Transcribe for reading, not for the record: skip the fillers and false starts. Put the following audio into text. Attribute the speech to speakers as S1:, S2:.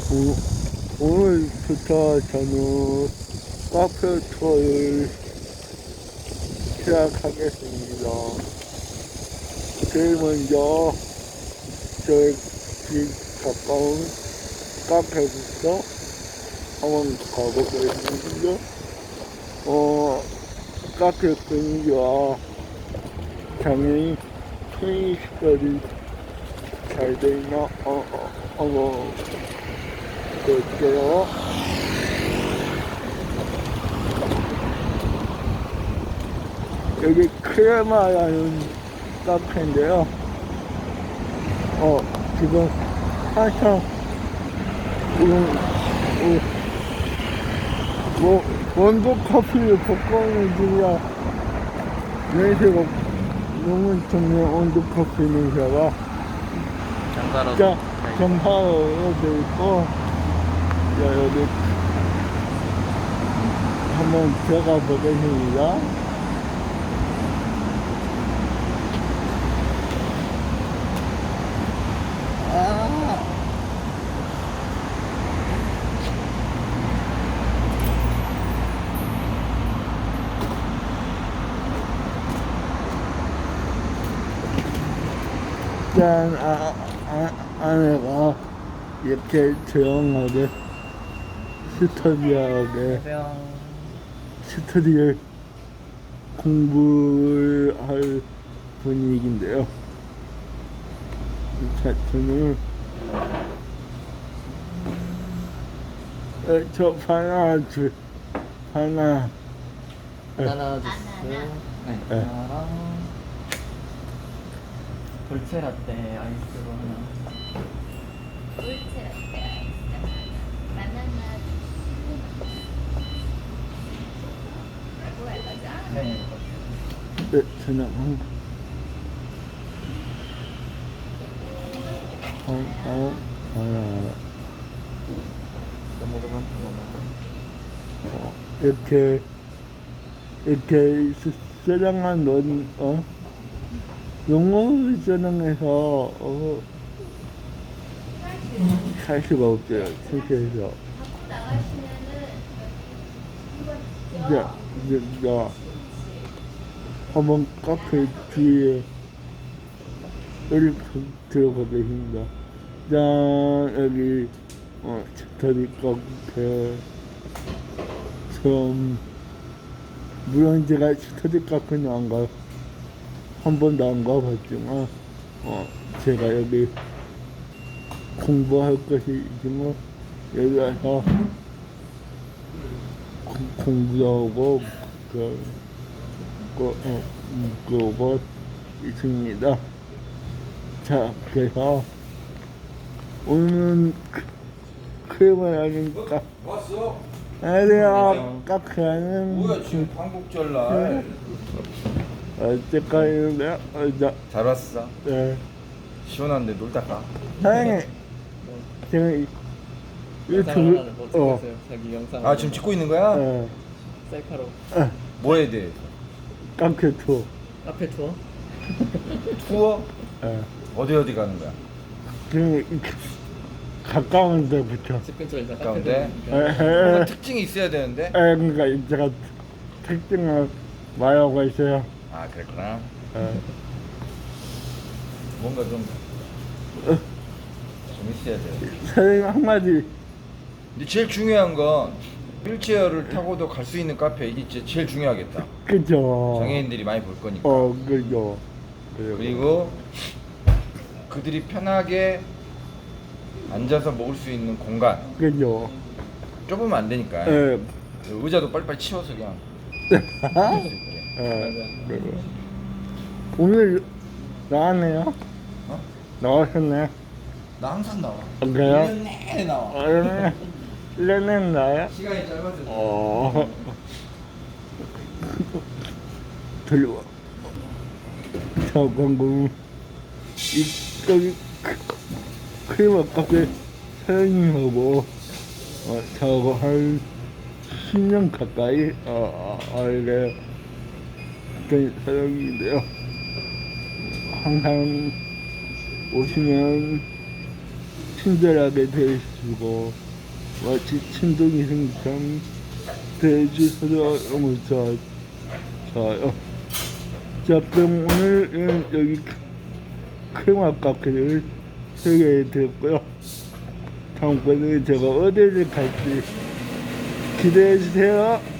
S1: 오늘부터 저는 카페 투어를 시작하겠습니다. 제일 먼저 저희 집 가까운 카페부터 한번 가보겠습니다. 카페 분위기와 당연히 편의시설이 잘 돼 있나? 한번 볼게요. 여기 크레마라는 카페인데요. 지금 한참 원두 커피를 볶아오는 중이라 냄새가 너무 좋네요. 원두 커피 냄새가. 정사로 되어 있고, 여기 한번 들어가 보겠습니다. 짠, 안에가 이렇게 조용하게 스터디에 공부를 할 분위기인데요. 자, 저는 저 바나나 주스.
S2: 바나나 주스. 네. 하나랑 돌체라떼 아이스로 하나.
S3: 돌체라떼 아이스 바나나 뭐야 이거죠?
S2: 네.
S1: 저는 바나나. 이렇게 저장한 영어 저장해서 살 수가 없어요. 실제에서.
S3: 갖고 나가시면은
S1: 야, 한번 카페 뒤에 이렇게 들어가겠습니다. 짠, 여기 스터디 카페처럼, 물론 제가 스터디 카페는 안 가요. 한 번도 안 가봤지만, 제가 여기 공부할 것이 있지만, 여기 와서 공부도 하고, 그러고 있습니다. 자, 그래서, 오늘은 크림을 하니까,
S4: 왔어?
S1: 안녕하세요. 카페는,
S4: 뭐야 지금 광복절날
S1: 어쨌거니인데요.
S4: 잘 왔어?
S1: 네.
S4: 시원한데 놀다 가.
S1: 사장님, 지금 유튜브,
S2: 뭐 찍었어요? 자기 영상.
S4: 아 지금 찍고 있는 거야?
S2: 셀카로.
S4: 뭐 해야 돼?
S1: 카페 투어.
S2: 카페 투어?
S4: 투어?
S1: 예.
S4: 어디 가는 거야?
S1: 지금 가까운 데부터.
S2: 집 근처에 있는
S4: 가까운데?
S2: 카페.
S4: 뭔가 특징이 있어야 되는데?
S1: 그러니까 제가 특징을 말하고 있어요.
S4: 아 그랬구나.
S1: 예.
S4: 뭔가 좀 있어야 돼.
S1: 사장님 한마디.
S4: 근데 제일 중요한 건 휠체어를 타고도 갈 수 있는 카페, 이게 진짜 제일 중요하겠다.
S1: 그죠.
S4: 장애인들이 많이 볼 거니까.
S1: 그죠.
S4: 그리고 그들이 편하게 앉아서 먹을 수 있는 공간.
S1: 그죠.
S4: 좁으면 안 되니까.
S1: 예.
S4: 의자도 빨리빨리 치워서 그냥 먹을 수 있게.
S1: 그리고 오늘 나왔네요.
S4: 어?
S1: 나왔었네.
S4: 나 항상 나와.
S1: 그래요?
S4: 1년 내내 나와.
S1: 1년은 나요?
S4: 시간이 짧아서.
S1: 들려와. 저 광고 여기 크리머 카페 사장님하고 저하고 한 10년 가까이 알게 된 사장님인데요. 항상 오시면 친절하게 대해주시고 마치 친동이 생처럼 대해주셔서 너무 좋아요. 자, 그럼 오늘은 여기 크레마 카페를 소개해드렸고요. 다음번에 제가 어디를 갈지 기대해주세요.